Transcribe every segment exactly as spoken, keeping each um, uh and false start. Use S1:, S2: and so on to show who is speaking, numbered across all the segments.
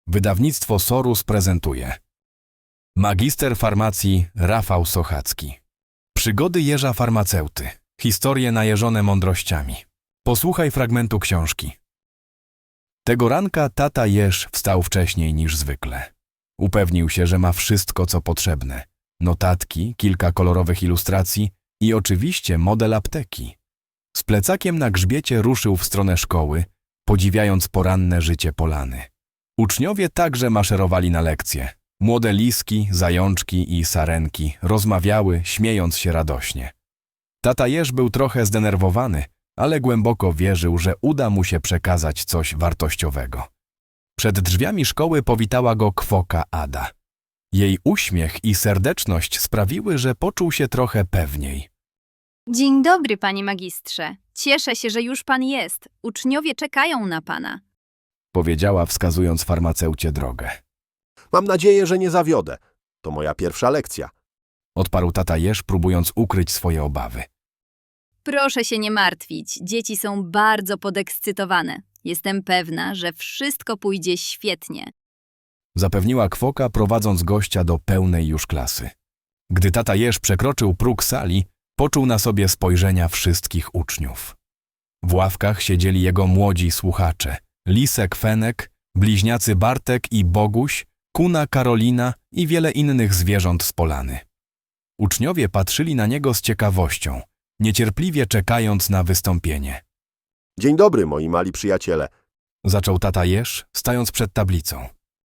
S1: Wydawnictwo Sorus prezentuje Magister farmacji Rafał Sochacki. Przygody jeża farmaceuty. Historie najeżone mądrościami. Posłuchaj fragmentu książki. Tego ranka tata jeż wstał wcześniej niż zwykle. Upewnił się, że ma wszystko, co potrzebne. Notatki, kilka kolorowych ilustracji i oczywiście model apteki. Z plecakiem na grzbiecie ruszył w stronę szkoły, podziwiając poranne życie Polany. Uczniowie także maszerowali na lekcje. Młode liski, zajączki i sarenki rozmawiały, śmiejąc się radośnie. Tata jeż był trochę zdenerwowany, ale głęboko wierzył, że uda mu się przekazać coś wartościowego. Przed drzwiami szkoły powitała go kwoka Ada. Jej uśmiech i serdeczność sprawiły, że poczuł się trochę pewniej.
S2: Dzień dobry, panie magistrze. Cieszę się, że już pan jest. Uczniowie czekają na pana.
S1: Powiedziała, wskazując farmaceucie drogę.
S3: Mam nadzieję, że nie zawiodę. To moja pierwsza lekcja.
S1: Odparł tata jeż, próbując ukryć swoje obawy.
S2: Proszę się nie martwić. Dzieci są bardzo podekscytowane. Jestem pewna, że wszystko pójdzie świetnie.
S1: Zapewniła kwoka, prowadząc gościa do pełnej już klasy. Gdy tata jeż przekroczył próg sali, poczuł na sobie spojrzenia wszystkich uczniów. W ławkach siedzieli jego młodzi słuchacze. Lisek Fenek, bliźniacy Bartek i Boguś, kuna Karolina i wiele innych zwierząt z Polany. Uczniowie patrzyli na niego z ciekawością, niecierpliwie czekając na wystąpienie.
S3: Dzień dobry, moi mali przyjaciele.
S1: Zaczął tata jeż, stając przed tablicą.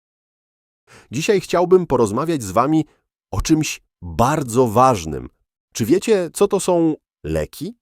S3: Dzisiaj chciałbym porozmawiać z wami o czymś bardzo ważnym. Czy wiecie, co to są leki?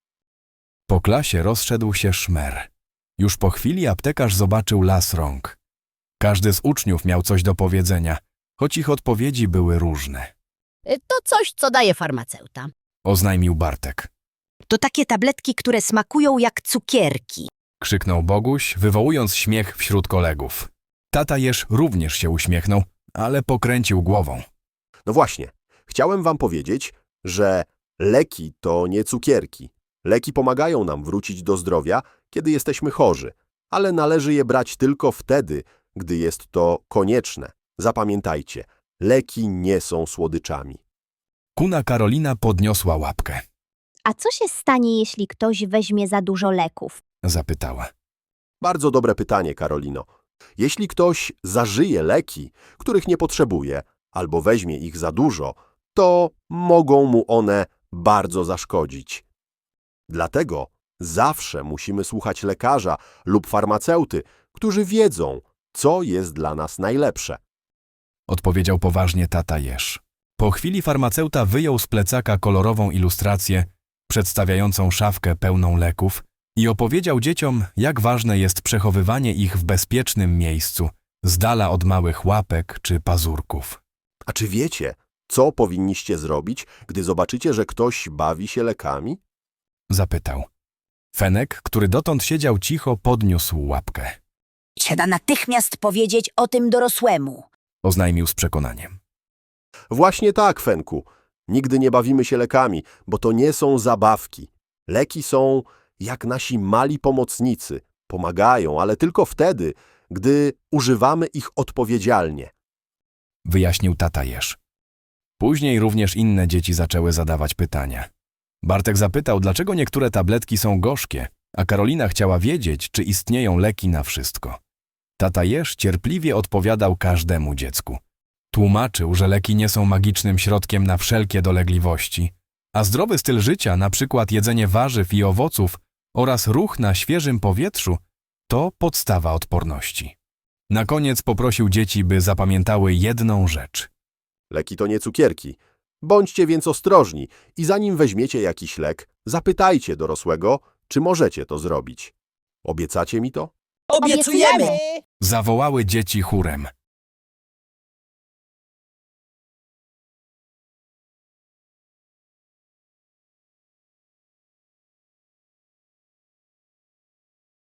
S1: Po klasie rozszedł się szmer. Już po chwili aptekarz zobaczył las rąk. Każdy z uczniów miał coś do powiedzenia, choć ich odpowiedzi były różne.
S4: To coś, co daje farmaceuta.
S1: Oznajmił Bartek.
S4: To takie tabletki, które smakują jak cukierki.
S1: Krzyknął Boguś, wywołując śmiech wśród kolegów. Tata jeż również się uśmiechnął, ale pokręcił głową.
S3: No właśnie, chciałem wam powiedzieć, że leki to nie cukierki. Leki pomagają nam wrócić do zdrowia, kiedy jesteśmy chorzy, ale należy je brać tylko wtedy, gdy jest to konieczne. Zapamiętajcie, leki nie są słodyczami.
S1: Kuna Karolina podniosła łapkę.
S5: A co się stanie, jeśli ktoś weźmie za dużo leków?
S1: Zapytała.
S3: Bardzo dobre pytanie, Karolino. Jeśli ktoś zażyje leki, których nie potrzebuje, albo weźmie ich za dużo, to mogą mu one bardzo zaszkodzić. Dlatego zawsze musimy słuchać lekarza lub farmaceuty, którzy wiedzą, co jest dla nas najlepsze.
S1: Odpowiedział poważnie tata jeż. Po chwili farmaceuta wyjął z plecaka kolorową ilustrację przedstawiającą szafkę pełną leków i opowiedział dzieciom, jak ważne jest przechowywanie ich w bezpiecznym miejscu, z dala od małych łapek czy pazurków.
S3: A czy wiecie, co powinniście zrobić, gdy zobaczycie, że ktoś bawi się lekami?
S1: Zapytał. Fenek, który dotąd siedział cicho, podniósł łapkę.
S4: Trzeba natychmiast powiedzieć o tym dorosłemu.
S1: Oznajmił z przekonaniem.
S3: Właśnie tak, Fenku. Nigdy nie bawimy się lekami, bo to nie są zabawki. Leki są jak nasi mali pomocnicy. Pomagają, ale tylko wtedy, gdy używamy ich odpowiedzialnie.
S1: Wyjaśnił tata jeż. Później również inne dzieci zaczęły zadawać pytania. Bartek zapytał, dlaczego niektóre tabletki są gorzkie, a Karolina chciała wiedzieć, czy istnieją leki na wszystko. Tata jeż cierpliwie odpowiadał każdemu dziecku. Tłumaczył, że leki nie są magicznym środkiem na wszelkie dolegliwości, a zdrowy styl życia, na przykład jedzenie warzyw i owoców oraz ruch na świeżym powietrzu, to podstawa odporności. Na koniec poprosił dzieci, by zapamiętały jedną rzecz.
S3: Leki to nie cukierki. Bądźcie więc ostrożni i zanim weźmiecie jakiś lek, zapytajcie dorosłego, czy możecie to zrobić. Obiecacie mi to?
S4: Obiecujemy!
S1: Zawołały dzieci chórem.